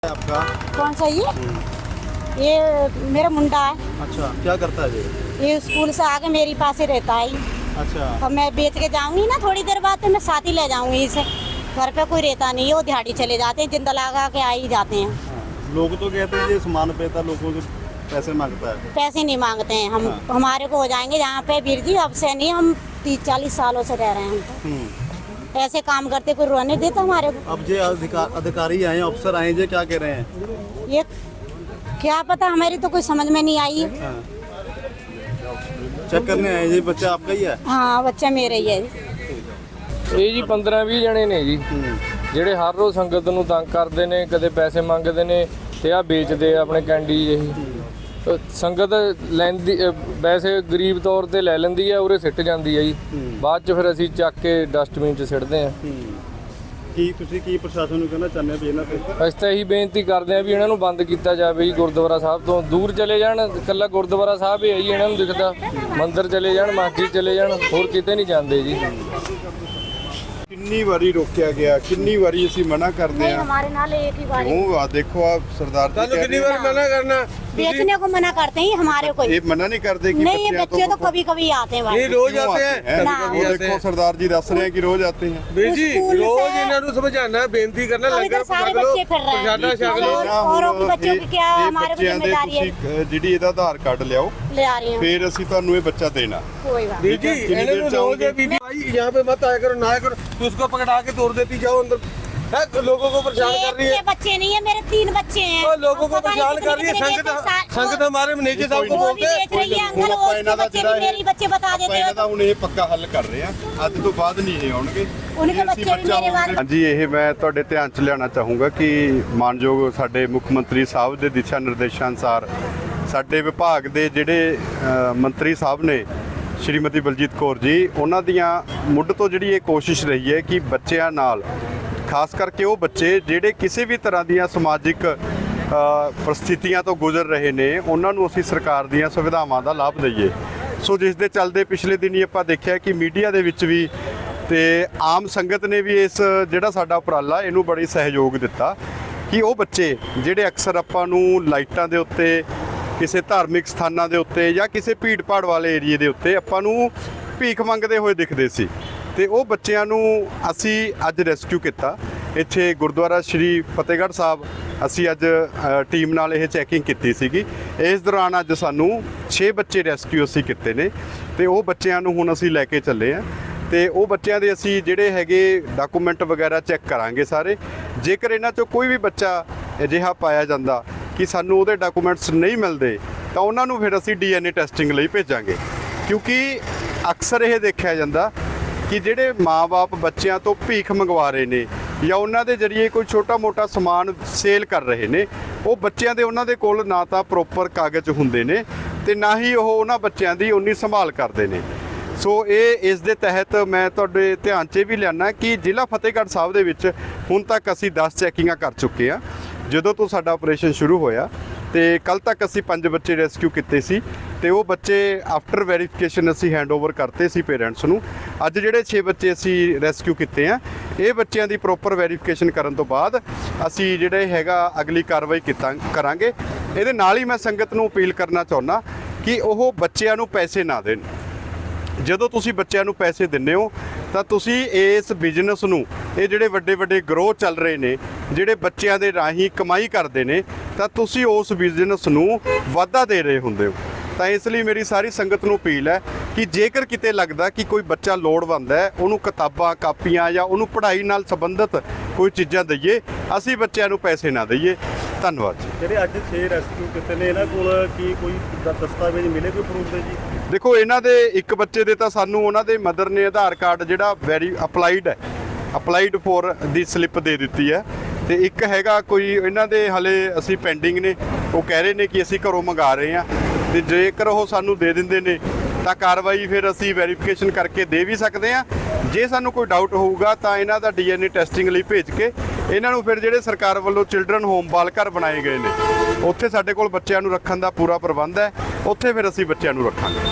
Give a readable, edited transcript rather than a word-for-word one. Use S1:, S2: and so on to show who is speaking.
S1: आपका
S2: कौन सा ये मेरा मुंडा है।
S1: अच्छा, क्या करता है
S2: ये स्कूल से आके मेरी पास ही रहता है।
S1: अच्छा,
S2: और मैं बेच के जाऊंगी ना थोड़ी देर बाद, तो मैं साथ ही ले जाऊंगी इसे। घर पे कोई रहता नहीं है, वो दिहाड़ी चले जाते हैं, जिंदा लगा के आ ही जाते हैं।
S1: हाँ। लोग तो कहते हैं ये सामान पेता लोगों से पैसे मांगता है।
S2: पैसे नहीं मांगते हैं हम।
S1: हाँ।
S2: हमारे को हो जाएंगे यहाँ पे वीर जी, अब से नहीं, हम 30-40 सालों से रह रहे हैं। हम तो ऐसे काम करते, कोई रोने देता हमारे को।
S1: अब जे अधिकारी आए, अफसर आए, जे क्या कह रहे हैं?
S2: ये क्या पता, हमारी तो कोई समझ में नहीं आई।
S1: हाँ। चेक करने आए जी, बच्चा आपका ही है?
S2: हाँ, बच्चा मेरा ही है।
S3: ਇਹ ਜੀ 15-20 ਜਣੇ ਨੇ ਜੀ ਜਿਹੜੇ ਹਰ ਰੋਜ਼ ਸੰਗਤ ਨੂੰ ਤੰਗ ਕਰਦੇ ਨੇ, ਕਦੇ ਪੈਸੇ ਮੰਗਦੇ ਨੇ ਤੇ ਆ ਵੇਚਦੇ ਆ ਆਪਣੇ ਕੈਂਡੀ ਜਿਹੀ। ਸੰਗਤ ਲੈਂਦੀ ਵੈਸੇ ਗਰੀਬ ਤੌਰ ਤੇ ਲੈ ਲੈਂਦੀ ਆ, ਉਰੇ ਸਿੱਟ ਜਾਂਦੀ ਆ ਜੀ। ਬਾਅਦ ਚ ਫਿਰ ਅਸੀਂ ਚੱਕ ਕੇ ਡਸਟਬਿਨ 'ਚ ਸਿੱਟਦੇ ਆ।
S1: ਕੀ ਤੁਸੀਂ ਕੀ ਪ੍ਰਸ਼ਾਸਨ ਨੂੰ ਕਹਿਣਾ ਚਾਹੁੰਦੇ ਹੋ ਵੀ ਇਹਨਾਂ ਤੇ?
S3: ਅਸੀਂ ਤਾਂ ਇਹੀ ਬੇਨਤੀ ਕਰਦੇ ਆ ਵੀ ਇਹਨਾਂ ਨੂੰ ਬੰਦ ਕੀਤਾ ਜਾਵੇ ਜੀ। ਗੁਰਦੁਆਰਾ ਸਾਹਿਬ ਤੋਂ ਦੂਰ ਚਲੇ ਜਾਣ, ਇਕੱਲਾ ਗੁਰਦੁਆਰਾ ਸਾਹਿਬ ਹੀ ਹੈ ਜੀ ਇਹਨਾਂ ਨੂੰ ਦਿਖਦਾ। ਮੰਦਿਰ ਚਲੇ ਜਾਣ, ਮਸਜਿਦ ਚਲੇ ਜਾਣ, ਹੋਰ ਕਿਤੇ ਨਹੀਂ ਜਾਂਦੇ ਜੀ।
S4: ਕਿੰਨੀ ਵਾਰੀ ਰੋਕਿਆ ਗਿਆ, ਕਿੰਨੀ ਵਾਰੀ ਅਸੀਂ ਮਨਾ ਕਰਦੇ
S2: नहीं,
S4: ਆ।
S2: हमारे नाल एक ही बार
S4: ਉਹ ਆ ਦੇਖੋ ਆ ਸਰਦਾਰ ਜੀ
S5: ਤੁਹਾਨੂੰ
S4: ਕਹਿ
S5: ਕਿੰਨੀ
S4: ਰਹੇ
S5: ਵਾਰ ਮਨਾ ਕਰਨਾ?
S2: बेचने को मना करते हैं हमारे को।
S4: ਇਹ ਮਨਾ ਨਹੀਂ ਕਰਦੇ ਕਿ
S2: नहीं, ये बच्चे तो कभी कभी आते हैं
S5: ਨਹੀਂ
S2: भाई।
S5: ਰੋਜ਼
S4: क्यों
S5: ਆਤੇ
S4: आते
S5: ਹੈ
S4: हैं?
S2: ना।
S5: कभी
S4: वो
S5: आते
S4: देखो
S5: हैं
S4: सरदार जी दस रहे हैं कि रोज आते हैं।
S5: ਵੀਰ ਜੀ
S2: स्कूल
S5: ਰੋਜ਼
S2: से-
S5: ਇਹਨਾਂ ਨੂੰ ਸਮਝਾਉਣਾ, ਬੇਨਤੀ ਕਰਨਾ,
S2: अब
S5: ਲੰਗਰ
S2: इधर सारे
S5: ਛਕ ਲਓ,
S2: बच्चे फिर रहे हैं।
S5: ਪ੍ਰਸ਼ਾਦਾ ਛਕ ਲਓ।
S2: और औरों के बच्चों की क्या
S4: ਇਹ
S2: हमारे को
S4: ਬੱਚਿਆਂ ਦੇ
S2: जिम्मेदारी है।
S4: ਤੁਸੀਂ ਜਿਹੜੀ ਇਹਦਾ ਆਧਾਰ ਕਾਰਡ ਲਿਆਓ,
S2: ले आ रही हूँ,
S4: ਫਿਰ ਅਸੀਂ ਤੁਹਾਨੂੰ ਇਹ ਬੱਚਾ ਦੇਣਾ।
S2: कोई बात
S5: ਵੀਰ ਜੀ
S4: कितनी
S5: ਇਹਨਾਂ
S4: देर
S5: ਨੂੰ
S4: चाहोगे?
S5: रोज बीबी भाई यहाँ पे मत आया करो, ना आया करो, तो उसको पकड़ा के तोड़ देती जाओ अंदर। है लोगों को परेशान कर रही
S2: ये
S5: है।
S2: बच्चे नहीं है, मेरे 3 बच्चे हैं।
S5: और लोगों को
S2: पता नहीं
S5: परेशान कर रही है।
S2: कितने-
S5: संगत
S2: कितने
S5: संगत हमारे मैनेजर साहब को
S2: वो भी
S5: बोलते हैं।
S2: बेच रही है अंकल,
S4: ਹੁਣ
S2: वो
S4: ਆਪਾਂ
S2: उसके
S4: ਇਹਨਾਂ ਦਾ
S2: बच्चे
S4: ਜਿਹੜਾ
S2: भी मेरी बच्चे बता
S4: ਆਪਾਂ
S2: देते
S4: ਇਹਨਾਂ
S2: हैं।
S4: ਦਾ ਹੁਣ ਇਹ ਪੱਕਾ ਹੱਲ ਕਰ ਰਹੇ ਆ। ਅੱਜ ਤੋਂ ਬਾਅਦ ਨਹੀਂ ਇਹ ਆਉਣਗੇ।
S2: उनके
S4: ਜੇ ਅਸੀਂ
S2: बच्चे भी
S4: ਬੱਚਾ
S2: मेरे वाले।
S4: ਹਾਂਜੀ, ਇਹ ਮੈਂ ਤੁਹਾਡੇ ਧਿਆਨ 'ਚ ਲਿਆਉਣਾ ਚਾਹੂੰਗਾ ਕਿ ਮਾਨਯੋਗ ਸਾਡੇ ਮੁੱਖ ਮੰਤਰੀ ਸਾਹਿਬ ਦੇ ਦਿਸ਼ਾ ਨਿਰਦੇਸ਼ਾਂ ਅਨੁਸਾਰ ਸਾਡੇ ਵਿਭਾਗ ਦੇ ਜਿਹੜੇ ਮੰਤਰੀ ਸਾਹਿਬ ਨੇ ਸ਼੍ਰੀਮਤੀ ਬਲਜੀਤ ਕੌਰ ਜੀ, ਉਹਨਾਂ ਦੀਆਂ ਮੁੱਢ ਤੋਂ ਜਿਹੜੀ ਇਹ ਕੋਸ਼ਿਸ਼ ਰਹੀ ਹੈ ਕਿ ਬੱਚਿਆਂ ਨਾਲ, ਖਾਸ ਕਰਕੇ ਉਹ ਬੱਚੇ ਜਿਹੜੇ ਕਿਸੇ ਵੀ ਤਰ੍ਹਾਂ ਦੀਆਂ ਸਮਾਜਿਕ ਪਰਿਸਥਿਤੀਆਂ ਤੋਂ ਗੁਜ਼ਰ ਰਹੇ ਨੇ, ਉਹਨਾਂ ਨੂੰ ਅਸੀਂ ਸਰਕਾਰ ਦੀਆਂ ਸੁਵਿਧਾਵਾਂ ਦਾ ਲਾਭ ਦਈਏ। ਸੋ ਜਿਸ ਦੇ ਚੱਲਦੇ ਪਿਛਲੇ ਦਿਨੀ ਆਪਾਂ ਦੇਖਿਆ ਕਿ ਮੀਡੀਆ ਦੇ ਵਿੱਚ ਵੀ ਤੇ ਆਮ ਸੰਗਤ ਨੇ ਵੀ ਇਸ ਜਿਹੜਾ ਸਾਡਾ ਉਪਰਾਲਾ ਇਹਨੂੰ ਬੜੀ ਸਹਿਯੋਗ ਦਿੱਤਾ ਕਿ ਉਹ ਬੱਚੇ ਜਿਹੜੇ ਅਕਸਰ ਆਪਾਂ ਨੂੰ ਲਾਈਟਾਂ ਦੇ ਉੱਤੇ, ਕਿਸੇ ਧਾਰਮਿਕ ਸਥਾਨਾਂ ਦੇ ਉੱਤੇ ਜਾਂ ਕਿਸੇ ਭੀੜ ਭਾੜ ਵਾਲੇ ਏਰੀਏ ਦੇ ਉੱਤੇ ਆਪਾਂ ਨੂੰ ਭੀਖ ਮੰਗਦੇ ਹੋਏ ਦਿਖਦੇ ਸੀ, ਤੇ ਉਹ ਬੱਚਿਆਂ ਨੂੰ ਅਸੀਂ ਅੱਜ ਰੈਸਕਿਊ ਕੀਤਾ। ਇੱਥੇ ਗੁਰਦੁਆਰਾ ਸ਼੍ਰੀ ਫਤਿਹਗੜ੍ਹ ਸਾਹਿਬ ਅਸੀਂ ਅੱਜ ਟੀਮ ਨਾਲ ਇਹ ਚੈਕਿੰਗ ਕੀਤੀ ਸੀਗੀ। ਇਸ ਦੌਰਾਨ ਅੱਜ ਸਾਨੂੰ 6 ਬੱਚੇ ਰੈਸਕਿਊ ਅਸੀਂ ਕੀਤੇ ਨੇ, ਤੇ ਉਹ ਬੱਚਿਆਂ ਨੂੰ ਹੁਣ ਅਸੀਂ ਲੈ ਕੇ ਚੱਲੇ ਆ, ਤੇ ਉਹ ਬੱਚਿਆਂ ਦੇ ਅਸੀਂ ਜਿਹੜੇ ਹੈਗੇ ਡਾਕੂਮੈਂਟ ਵਗੈਰਾ ਚੈੱਕ ਕਰਾਂਗੇ ਸਾਰੇ। ਜੇਕਰ ਇਹਨਾਂ 'ਚੋਂ ਕੋਈ ਵੀ ਬੱਚਾ ਅਜਿਹਾ ਪਾਇਆ ਜਾਂਦਾ ਕਿ ਸਾਨੂੰ ਉਹਦੇ ਡਾਕੂਮੈਂਟਸ ਨਹੀਂ ਮਿਲਦੇ, ਤਾਂ ਉਹਨਾਂ ਨੂੰ ਫਿਰ ਅਸੀਂ DNA ਟੈਸਟਿੰਗ ਲਈ ਭੇਜਾਂਗੇ। ਕਿਉਂਕਿ ਅਕਸਰ ਇਹ ਦੇਖਿਆ ਜਾਂਦਾ ਕਿ ਜਿਹੜੇ ਮਾਂ-ਬਾਪ ਬੱਚਿਆਂ ਤੋਂ ਭੀਖ ਮੰਗਵਾ ਰਹੇ ਨੇ ਜਾਂ ਉਹਨਾਂ ਦੇ ਜ਼ਰੀਏ ਕੋਈ ਛੋਟਾ-ਮੋਟਾ ਸਮਾਨ ਸੇਲ ਕਰ ਰਹੇ ਨੇ, ਉਹ ਬੱਚਿਆਂ ਦੇ ਉਹਨਾਂ ਦੇ ਕੋਲ ਨਾ ਤਾਂ ਪ੍ਰੋਪਰ ਕਾਗਜ਼ ਹੁੰਦੇ ਨੇ ਤੇ ਨਾ ਹੀ ਉਹ ਉਹਨਾਂ ਬੱਚਿਆਂ ਦੀ ਉਨੀ ਸੰਭਾਲ ਕਰਦੇ ਨੇ। ਸੋ ਇਹ ਇਸ ਦੇ ਤਹਿਤ ਮੈਂ ਤੁਹਾਡੇ ਧਿਆਨ 'ਚ ਵੀ ਲਿਆਉਣਾ ਕਿ ਜ਼ਿਲ੍ਹਾ ਫਤਿਹਗੜ੍ਹ ਸਾਹਿਬ ਦੇ ਵਿੱਚ ਹੁਣ ਤੱਕ ਅਸੀਂ 10 ਚੈਕਿੰਗਾਂ ਕਰ ਚੁੱਕੇ ਹਾਂ ਜਦੋਂ ਤੋਂ ਸਾਡਾ ਆਪਰੇਸ਼ਨ ਸ਼ੁਰੂ ਹੋਇਆ, ਤੇ ਕੱਲ ਤੱਕ ਅਸੀਂ 5 ਬੱਚੇ ਰੈਸਕਿਊ ਕੀਤੇ ਸੀ, ਤੇ ਉਹ ਬੱਚੇ ਆਫਟਰ ਵੈਰੀਫਿਕੇਸ਼ਨ ਅਸੀਂ ਹੈਂਡਓਵਰ ਕਰਤੇ ਸੀ ਪੇਰੈਂਟਸ ਨੂੰ। ਅੱਜ ਜਿਹੜੇ 6 ਬੱਚੇ ਅਸੀਂ ਰੈਸਕਿਊ ਕੀਤੇ ਆ, ਇਹ ਬੱਚਿਆਂ ਦੀ ਪ੍ਰੋਪਰ ਵੈਰੀਫਿਕੇਸ਼ਨ ਕਰਨ ਤੋਂ ਬਾਅਦ ਅਸੀਂ ਜਿਹੜੇ ਹੈਗਾ ਅਗਲੀ ਕਾਰਵਾਈ ਕਰਾਂਗੇ। ਇਹਦੇ ਨਾਲ ਹੀ ਮੈਂ ਸੰਗਤ ਨੂੰ ਅਪੀਲ ਕਰਨਾ ਚਾਹੁੰਦਾ ਕਿ ਉਹ ਬੱਚਿਆਂ ਨੂੰ ਪੈਸੇ ਨਾ ਦੇਣ। ਜਦੋਂ ਤੁਸੀਂ ਬੱਚਿਆਂ ਨੂੰ ਪੈਸੇ ਦਿੰਦੇ ਹੋ ਤਾਂ ਤੁਸੀਂ ਇਸ ਬਿਜ਼ਨਸ ਨੂੰ, ਇਹ ਜਿਹੜੇ ਵੱਡੇ ਵੱਡੇ ਗਰੋਹ ਚੱਲ ਰਹੇ ਨੇ ਜਿਹੜੇ ਬੱਚਿਆਂ ਦੇ ਰਾਹੀਂ ਕਮਾਈ ਕਰਦੇ ਨੇ, ਤਾਂ ਤੁਸੀਂ ਉਸ ਬਿਜ਼ਨਸ ਨੂੰ ਵਾਧਾ ਦੇ ਰਹੇ ਹੁੰਦੇ ਹੋ। ਤਾਂ ਇਸ ਲਈ ਮੇਰੀ ਸਾਰੀ ਸੰਗਤ ਨੂੰ ਅਪੀਲ ਹੈ ਕਿ ਜੇਕਰ ਕਿਤੇ ਲੱਗਦਾ ਕਿ ਕੋਈ ਬੱਚਾ ਲੋੜਵੰਦ ਹੈ, ਉਹਨੂੰ ਕਿਤਾਬਾਂ, ਕਾਪੀਆਂ ਜਾਂ ਉਹਨੂੰ ਪੜ੍ਹਾਈ ਨਾਲ ਸੰਬੰਧਿਤ ਕੋਈ ਚੀਜ਼ਾਂ ਦਈਏ, ਅਸੀਂ ਬੱਚਿਆਂ ਨੂੰ ਪੈਸੇ ਨਾ ਦਈਏ। ਧੰਨਵਾਦ ਜੀ।
S1: ਜਿਹੜੇ ਅੱਜ 6 ਰੈਸਕਿਊ ਕੀਤੇ ਨੇ, ਇਹਨਾਂ ਕੋਲ ਕੀ ਕੋਈ ਦਸਤਾਵੇਜ਼ ਮਿਲੇ, ਕੋਈ ਪ੍ਰੂਫ ਦੇ ਜੀ?
S4: ਦੇਖੋ, ਇਹਨਾਂ ਦੇ ਇੱਕ ਬੱਚੇ ਦੇ ਤਾਂ ਸਾਨੂੰ ਉਹਨਾਂ ਦੇ ਮਦਰ ਨੇ ਆਧਾਰ ਕਾਰਡ ਜਿਹੜਾ ਅਪਲਾਈਡ ਫੋਰ ਦੀ ਸਲਿੱਪ ਦੇ ਦਿੱਤੀ ਹੈ, ਤੇ ਇੱਕ ਹੈਗਾ ਕੋਈ ਇਹਨਾਂ ਦੇ ਹਲੇ ਅਸੀਂ ਪੈਂਡਿੰਗ ਨੇ, ਉਹ ਕਹਿ ਰਹੇ ਨੇ ਕਿ ਅਸੀਂ ਘਰੋਂ ਮੰਗਾ ਰਹੇ ਹਾਂ, ਤੇ ਜੇਕਰ ਉਹ ਸਾਨੂੰ ਦੇ ਦਿੰਦੇ ਨੇ ਤਾਂ ਕਾਰਵਾਈ ਫਿਰ ਅਸੀਂ ਵੈਰੀਫਿਕੇਸ਼ਨ ਕਰਕੇ ਦੇ ਵੀ ਸਕਦੇ ਹਾਂ। ਜੇ ਸਾਨੂੰ ਕੋਈ ਡਾਊਟ ਹੋਊਗਾ ਤਾਂ ਇਹਨਾਂ ਦਾ DNA ਟੈਸਟਿੰਗ ਲਈ ਭੇਜ ਕੇ ਇਹਨਾਂ ਨੂੰ ਫਿਰ ਜਿਹੜੇ ਸਰਕਾਰ ਵੱਲੋਂ ਚਿਲਡਰਨ ਹੋਮ ਬਾਲ ਘਰ ਬਣਾਏ ਗਏ ਨੇ, ਉੱਥੇ ਸਾਡੇ ਕੋਲ ਬੱਚਿਆਂ ਨੂੰ ਰੱਖਣ ਦਾ ਪੂਰਾ ਪ੍ਰਬੰਧ ਹੈ, ਉੱਥੇ ਫਿਰ ਅਸੀਂ ਬੱਚਿਆਂ ਨੂੰ ਰੱਖਾਂਗੇ।